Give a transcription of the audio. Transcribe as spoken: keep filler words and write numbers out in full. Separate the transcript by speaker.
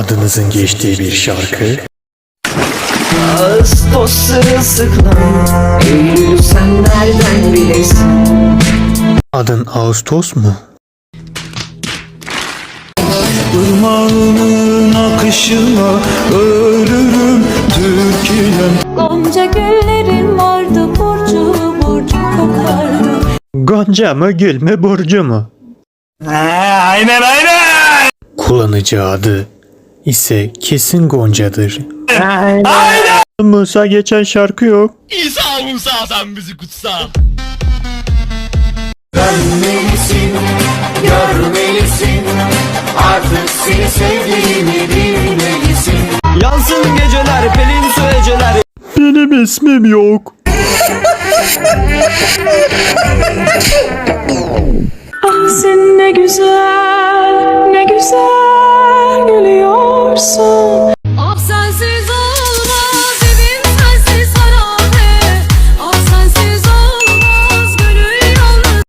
Speaker 1: adınızın geçtiği bir şarkı.
Speaker 2: Ağustos sırılsıklam, Eylül sen nereden bilesin?
Speaker 1: Adın Ağustos mu?
Speaker 3: Irmağının akışına ölürüm Türkiye'm.
Speaker 4: Gonca güllerin vardı, burcu burcu kokardı.
Speaker 1: Gonca mı gül mü burcu mu?
Speaker 3: Aynen aynen.
Speaker 1: Kullanıcı adı ise kesin Gonca'dır.
Speaker 3: Aynen.
Speaker 1: Musa geçen şarkı yok.
Speaker 5: İsa Musa sen bizi kutsa.
Speaker 2: Dönmelisin, görmelisin, artık seni sevdiğimi bilmelisin.
Speaker 3: Yansın geceler, pelin su eceler.
Speaker 1: Benim ismim yok.
Speaker 4: Ah sen ne güzel, ne güzel gülüyorsun.